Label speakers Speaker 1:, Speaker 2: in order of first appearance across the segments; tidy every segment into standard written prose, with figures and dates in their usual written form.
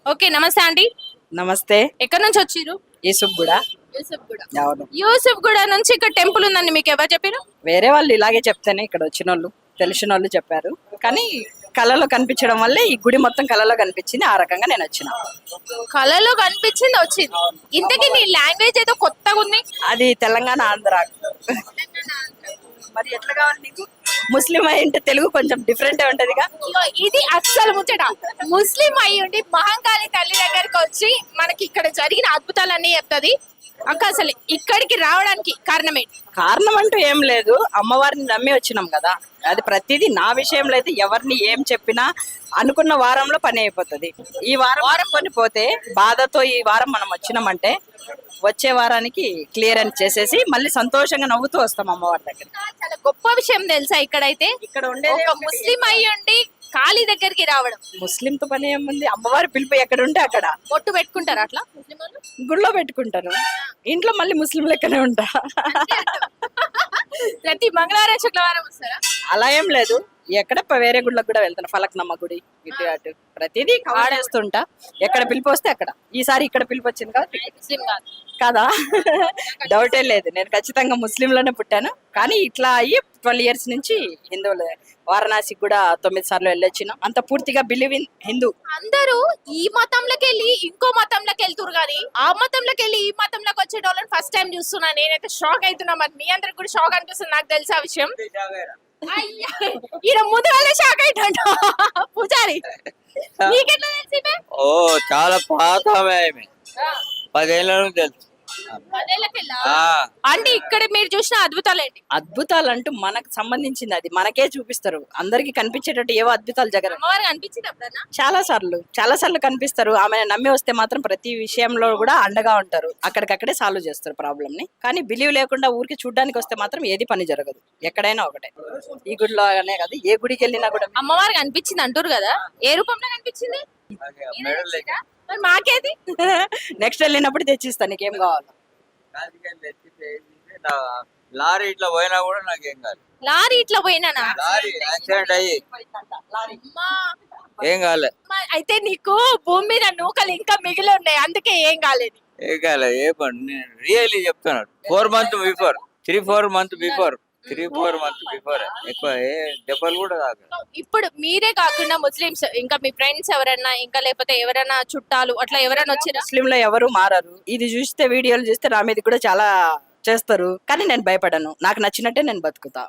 Speaker 1: Okay, నమస్తే అండి.
Speaker 2: నమస్తే.
Speaker 1: ఎక్కడి నుంచి వచ్చిర్రు?
Speaker 2: యూసుఫ్ కూడా.
Speaker 1: యూసఫ్గూడ.
Speaker 2: అవును.
Speaker 1: యూసఫ్గూడ నుంచి ఇక్కడ టెంపుల్ ఉందని మీకు ఎవరు చెప్పారు?
Speaker 2: వేరే వాళ్ళు ఇలాగే చెప్తేనే ఇక్కడ వచ్చిన వాళ్ళు తెలిసిన వాళ్ళు చెప్పారు. కానీ కళలో కనిపించడం వల్లే ఈ గుడి మొత్తం కళలో కనిపించింది. ఆ రకంగా నేను వచ్చిన.
Speaker 1: కళలో కనిపించింది వచ్చింది. ఇంతకీ నీ లాంగ్వేజ్ ఏదో కొత్తగా ఉంది.
Speaker 2: అది తెలంగాణ ఆంధ్ర. మరి ఎట్లా కావాలి నీకు? ముస్లిం అయింటే తెలుగు కొంచెం డిఫరెంట్ ఉంటదిగా.
Speaker 1: ఇగో ఇది అస్సలు ముచ్చట. ముస్లిం అయి ఉండి మహంకాళి తల్లి దగ్గరికి వచ్చి మనకి ఇక్కడ జరిగిన అద్భుతాలన్నీ చెప్తుంది. అక్క అసలు ఇక్కడికి రావడానికి కారణం ఏంటి?
Speaker 2: కారణం అంటూ ఏం లేదు. అమ్మవారిని నమ్మి వచ్చినాం కదా. అది ప్రతిదీ నా విషయంలో అయితే ఎవరిని ఏం చెప్పినా అనుకున్న వారంలో పని అయిపోతుంది. ఈ వారం కొని పోతే బాధతో ఈ వారం మనం వచ్చినామంటే వచ్చే వారానికి క్లియర్ అని చేసేసి మళ్ళీ సంతోషంగా నవ్వుతూ వస్తాం అమ్మవారి దగ్గర.
Speaker 1: చాలా గొప్ప విషయం తెలుసా ఇక్కడైతే.
Speaker 2: ఇక్కడ ఉండే
Speaker 1: ఒక ముస్లిం అయి ఉండి కాళీ దగ్గరికి రావడం.
Speaker 2: ముస్లింతో పని ఏముంది? అమ్మవారి పిలుపు ఎక్కడ ఉంటే అక్కడ
Speaker 1: బొట్టు పెట్టుకుంటారు అట్లా ముస్లిం వాళ్ళు.
Speaker 2: గుళ్ళో పెట్టుకుంటారు. ఇంట్లో మళ్ళీ ముస్లిం లెక్కనే ఉంటా.
Speaker 1: ప్రతి మంగళవారం శుక్రవారం వస్తారా?
Speaker 2: అలా ఏం లేదు. ఎక్కడ వేరే గుళ్ళకి కూడా వెళ్తాను. ఫలక్నమ్మ గుడి ఇటు అటు ప్రతిదీ ఆడేస్తుంటా. ఎక్కడ పిలిపి వస్తే అక్కడ. ఈసారి ఇక్కడ పిలిపి వచ్చింది కదా.
Speaker 1: ముస్లిం కాదు
Speaker 2: కదా, డౌటే లేదు. నేను ఖచ్చితంగా ముస్లింలోనే పుట్టాను. కానీ ఇట్లా అయ్యి 12 years నుంచి హిందువులే. వారణాసికి కూడా 9 సార్లు వెళ్ళొచ్చిన. అంత పూర్తిగా బిలీవ్ ఇన్ హిందూ.
Speaker 1: అందరూ ఈ మతంలోకి వెళ్ళి ఇంకో మతంలోకి వెళ్తురు కానీ ఆ మతంలోకి వెళ్ళి ఈ మతంలోకి వచ్చే వాళ్ళని ఫస్ట్ టైం చూస్తున్నా. నేనైతే షాక్ అవుతున్నా. మరి మీ అందరికి కూడా షాక్ అనిపిస్తుంది. నాకు తెలిసి ఆ విషయం. ఈయన ముందు వాళ్ళే షాక్ అయిటంట పూజారి. నీకెట్లా తెలిసి?
Speaker 3: ఓ చాలా పాత ఆమె. 10 ఏళ్ళ నుంచి తెలుసు.
Speaker 1: అంటే ఇక్కడ మీరు చూసిన అద్భుతాలు ఏంటి?
Speaker 2: అద్భుతాలు అంటూ మనకు సంబంధించింది. అది మనకే చూపిస్తారు. అందరికి కనిపించేటట్టు ఏవో అద్భుతాలు జగన్
Speaker 1: అమ్మవారికి అనిపించింది ఎప్పుడన్నా?
Speaker 2: చాలా సార్లు కనిపిస్తారు. ఆమె నమ్మి వస్తే మాత్రం ప్రతి విషయంలో కూడా అండగా ఉంటారు. అక్కడికక్కడే సాల్వ్ చేస్తారు ప్రాబ్లమ్ ని. కానీ బిలీవ్ లేకుండా ఊరికి చూడడానికి వస్తే మాత్రం ఏది పని జరగదు. ఎక్కడైనా ఒకటే. ఈ గుడిలో అనే కాదు, ఏ గుడికి వెళ్ళినా కూడా
Speaker 1: అమ్మవారికి అనిపించింది అంటారు కదా. ఏ రూపంలో కనిపించింది? మరి మాకేది?
Speaker 2: నెక్స్ట్ వెళ్ళినప్పుడు తెచ్చిస్తా. నీకేం కావాలి?
Speaker 3: లారీ ఇట్లా పోయినా కూడా నాకేం కాదు.
Speaker 1: లారీ ఇట్లా పోయినా?
Speaker 3: లారీ యాక్సిడెంట్ అయ్యి ఏం కాలే.
Speaker 1: అయితే నీకు భూమి మీద నూకలు ఇంకా మిగిలి ఉన్నాయి, అందుకే ఏం కాలేదు.
Speaker 3: ఏం కాలే. ఏ పని నేను రియల్లీ చెప్తున్నాను. 4 months before 3-4 months before 3-4 months before ఎక్కువ ఏ దెబ్బలు కూడా కాదు.
Speaker 1: ఇప్పుడు మీరే కాకుండా ముస్లిమ్స్ ఇంకా మీ ఫ్రెండ్స్ ఎవరన్నా ఇంకా లేకపోతే ఎవరైనా చుట్టాలు అట్లా ఎవరైనా వచ్చినా?
Speaker 2: ముస్లింలో ఎవరు మారరు. ఇది చూస్తే వీడియోలు చూస్తే నా మీద కూడా చాలా చేస్తారు. కానీ నేను భయపడను. నాకు నచ్చినట్టే నేను బతుకుతా.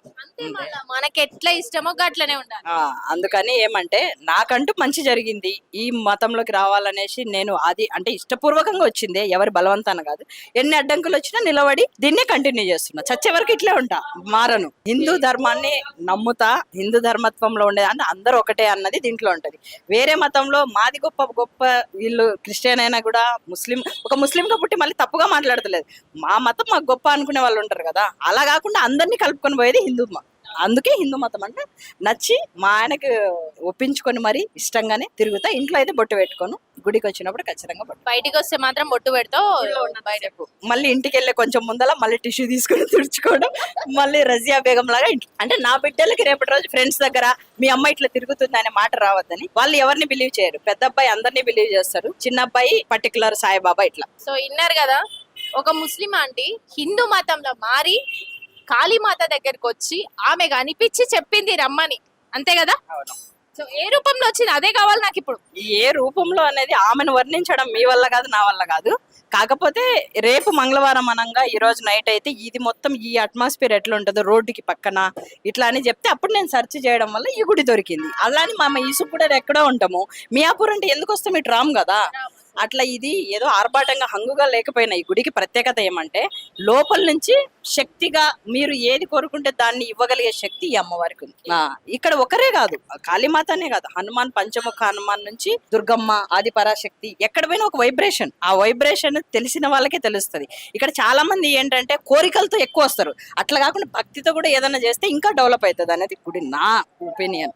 Speaker 1: మనకి ఎట్లా ఇష్టమో అట్లనే ఉండాలి.
Speaker 2: అందుకని ఏమంటే నాకంటూ మంచి జరిగింది. ఈ మతంలోకి రావాలనేసి నేను అది అంటే ఇష్టపూర్వకంగా వచ్చింది. ఎవరి బలవంతాన కాదు. ఎన్ని అడ్డంకులు వచ్చినా నిలబడి దీన్నే కంటిన్యూ చేస్తున్నా. చచ్చే వరకు ఇట్లే ఉంటా, మారను. హిందూ ధర్మాన్ని నమ్ముతా. హిందూ ధర్మత్వంలో ఉండేది అంటే అందరూ ఒకటే అన్నది దీంట్లో ఉంటది. వేరే మతంలో మాది గొప్ప గొప్ప, వీళ్ళు క్రిస్టియన్ అయినా కూడా ముస్లిం, ఒక ముస్లింగా పుట్టి మళ్ళీ తప్పుగా మాట్లాడతలేదు. మా మతం మాకు గొప్ప అనుకునే వాళ్ళు ఉంటారు కదా. అలా కాకుండా అందరినీ కలుపుకొని పోయేది హిందూ మతం. అందుకే హిందూ మతం అంటే నచ్చి మా ఆయనకు ఒప్పించుకొని మరి ఇష్టంగానే తిరుగుతా. ఇంట్లో అయితే బొట్టు పెట్టుకోను. గుడికి వచ్చినప్పుడు ఖచ్చితంగా బొట్టు.
Speaker 1: బయటికి వస్తే మాత్రం బొట్టు పెడతావు.
Speaker 2: బయటకు మళ్ళీ ఇంటికి వెళ్ళే కొంచెం ముందల మళ్ళీ టిష్యూ తీసుకొని తుడుచుకోవడం. మళ్ళీ రజియా బేగం లాగా అంటే నా బిడ్డలకి రేపటి రోజు ఫ్రెండ్స్ దగ్గర మీ అమ్మ ఇట్లా తిరుగుతుంది అనే మాట రావద్దని. వాళ్ళు ఎవరిని బిలీవ్ చేయరు. పెద్ద అబ్బాయి అందరినీ బిలీవ్ చేస్తారు. చిన్న అబ్బాయి పర్టికులర్ సాయిబాబా ఇట్లా.
Speaker 1: సో ఇన్నారు కదా, ఒక ముస్లిం ఆంటీ హిందూ మతంలో మారి కాళీమాత దగ్గరకు వచ్చి ఆమె కనిపించి చెప్పింది రమ్మని, అంతే కదా? సో ఏ రూపంలో వచ్చింది అదే కావాలి నాకు ఇప్పుడు.
Speaker 2: ఏ రూపంలో అనేది ఆమెను వర్ణించడం మీ వల్ల కాదు, నా వల్ల కాదు. కాకపోతే రేపు మంగళవారం అనంగా ఈ రోజు నైట్ అయితే ఇది మొత్తం ఈ అట్మాస్ఫియర్ ఎట్లా ఉంటుందో రోడ్డుకి పక్కన ఇట్లా అని చెప్తే అప్పుడు నేను సెర్చ్ చేయడం వల్ల ఈ గుడి దొరికింది. అలానే మా యూసుఫ్ కూడా ఎక్కడో ఉంటాము. మియాపూర్ అంటే ఎందుకు వస్తాం, ఇటు రాము కదా. అట్లా ఇది ఏదో ఆర్భాటంగా హంగుగా లేకపోయినా ఈ గుడికి ప్రత్యేకత ఏమంటే లోపల నుంచి శక్తిగా మీరు ఏది కోరుకుంటే దాన్ని ఇవ్వగలిగే శక్తి ఈ అమ్మవారికి ఉంది. ఇక్కడ ఒకరే కాదు, కాళీమాతనే కాదు, హనుమాన్, పంచముఖ హనుమాన్ నుంచి దుర్గమ్మ, ఆది పరాశక్తి, ఎక్కడ పోయినా ఒక వైబ్రేషన్. ఆ వైబ్రేషన్ తెలిసిన వాళ్ళకే తెలుస్తుంది. ఇక్కడ చాలా మంది ఏంటంటే కోరికలతో ఎక్కువ వస్తారు. అట్లా కాకుండా భక్తితో కూడా ఏదైనా చేస్తే ఇంకా డెవలప్ అవుతుంది అనేది గుడి, నా ఒపీనియన్.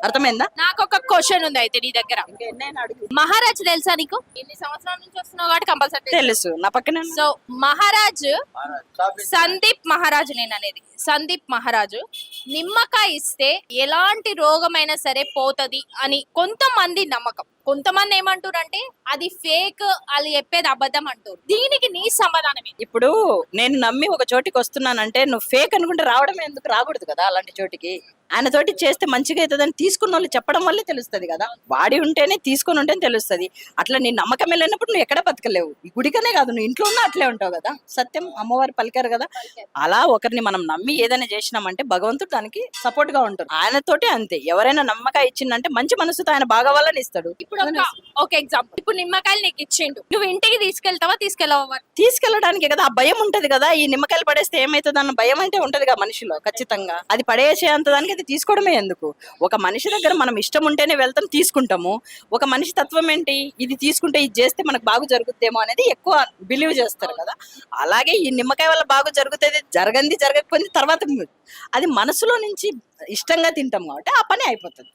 Speaker 2: అర్థమైందా?
Speaker 1: నాకు ఒక క్వశ్చన్ ఉంది అయితే నీ దగ్గర. మహారాజ్ తెలుసా నీకు? ఇన్ని సంవత్సరాల నుంచి వస్తున్నావు కాబట్టి కంపల్సరీ
Speaker 2: తెలుసు, నా పక్కన
Speaker 1: సో మహారాజ్ సందీప్ మహారాజు నేను అనేది సందీప్ మహారాజు నిమ్మకాయ ఇస్తే ఎలాంటి రోగమైనా సరే పోతది అని కొంతమంది నమ్మకం. కొంతమంది ఏమంటారు అంటే అది ఫేక్, వాళ్ళు చెప్పేది అబద్ధం అంటారు. దీనికి నీ సమాధానం ఏంటి?
Speaker 2: ఇప్పుడు నేను నమ్మి ఒక చోటికి వస్తున్నానంటే నువ్వు ఫేక్ అనుకుంటే రావడం ఎందుకు? రాకూడదు కదా అలాంటి చోటికి. ఆయన తోటి చేస్తే మంచిగా అవుతుందని తీసుకున్న వాళ్ళు చెప్పడం వల్లే తెలుస్తుంది కదా. వాడి ఉంటేనే తీసుకొని ఉంటేనే తెలుస్తుంది. అట్లా నీ నమ్మకం వెళ్ళినప్పుడు నువ్వు ఎక్కడ బతకలేవు. ఈ గుడికనే కాదు, నువ్వు ఇంట్లో ఉన్నా అట్లే ఉంటావు కదా. సత్యం అమ్మవారు పలికారు కదా. అలా ఒకరిని మనం నమ్మి ఏదైనా చేసినామంటే భగవంతుడు దానికి సపోర్ట్ గా ఉంటాడు. ఆయనతోటి అంతే. ఎవరైనా నమ్మకం ఇచ్చిందంటే మంచి మనసుతో ఆయన బాగవాలని ఇస్తాడు.
Speaker 1: ఇప్పుడు ఒక ఎగ్జాంపుల్, ఇప్పుడు నిమ్మకాయలు నీకు ఇచ్చిండు, నువ్వు ఇంటికి తీసుకెళ్తావా తీసుకెళ్ళవా?
Speaker 2: తీసుకెళ్ళడానికి కదా, ఆ భయం ఉంటది కదా. ఈ నిమ్మకాయలు పడేస్తే ఏమైతుంది అన్న భయం అంటే ఉంటది కదా మనిషిలో ఖచ్చితంగా. అది పడేసేంత దానికి అది తీసుకోవడమే ఎందుకు? ఒక మనిషి దగ్గర మనం ఇష్టం ఉంటేనే వెళ్తాం, తీసుకుంటాము. ఒక మనిషి తత్వం ఏంటి? ఇది తీసుకుంటే ఇది చేస్తే మనకు బాగు జరుగుద్దేమో అనేది ఎక్కువ బిలీవ్ చేస్తారు కదా. అలాగే ఈ నిమ్మకాయ వల్ల బాగు జరుగుతుంది, జరగకపోయింది తర్వాత అది మనసులో నుంచి ఇష్టంగా తింటాం కాబట్టి ఆ పని అయిపోతుంది.